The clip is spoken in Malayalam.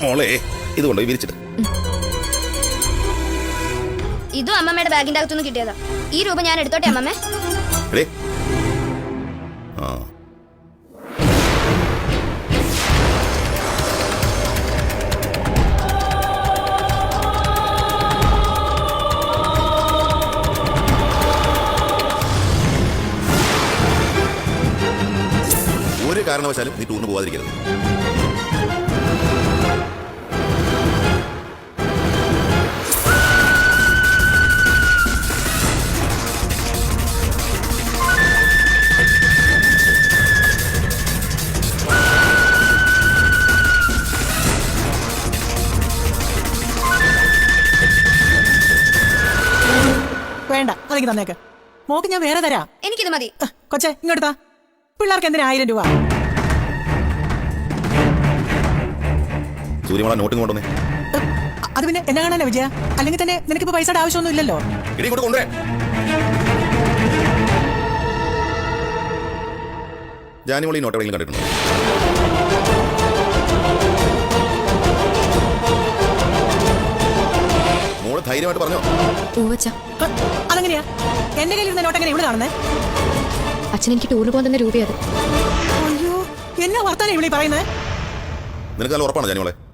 മോളെ ഇത് കൊണ്ടുപോയി വിരിച്ചിട്ട്. ഇതും അമ്മമ്മയുടെ ബാഗിന്റെ അകത്തുനിന്ന് കിട്ടിയതാ. ഈ രൂപ ഞാൻ എടുത്തോട്ടെ അമ്മമ്മേ? ഒരു കാരണവശാലും നീ ടൂറിന് പോവാതിരിക്കരുത്. വേണ്ട, അതെനിക്ക് തന്നേക്ക്. മോക്ക് ഞാൻ വേറെ തരാം. എനിക്കിത് മതി. കൊച്ചെ ഇങ്ങോട്ടാ. പിള്ളേർക്ക് എന്തിനാ 1000 രൂപ? സൂര്യമോളെ നോട്ടും കൊണ്ടുവന്നേ. അത് പിന്നെ എന്നെ കാണാനാ വിജയ? അല്ലെങ്കിൽ തന്നെ നിനക്കിപ്പോ പൈസയുടെ ആവശ്യമൊന്നും ഇല്ലല്ലോ. ജാനിമോളി നോട്ട് എവിടെയെങ്കിലും കണ്ടിട്ടുണ്ടോ? മോള് ധൈര്യമായിട്ട് പറഞ്ഞോ. അതെങ്ങനെയാ എന്റെ കയ്യിൽ ഇരുന്ന നോട്ട് എങ്ങനെ ഇവിടെ കാണുന്നേ? അച്ഛൻ എനിക്ക് ടൂറിന് പോകാൻ തന്നെ രൂപയത്. അയ്യോ, എന്നാ വർത്താനം ഇവിടെ പറയുന്നത്? നിനക്ക് നല്ല ഉറപ്പാണ് ജാനിമോളെ?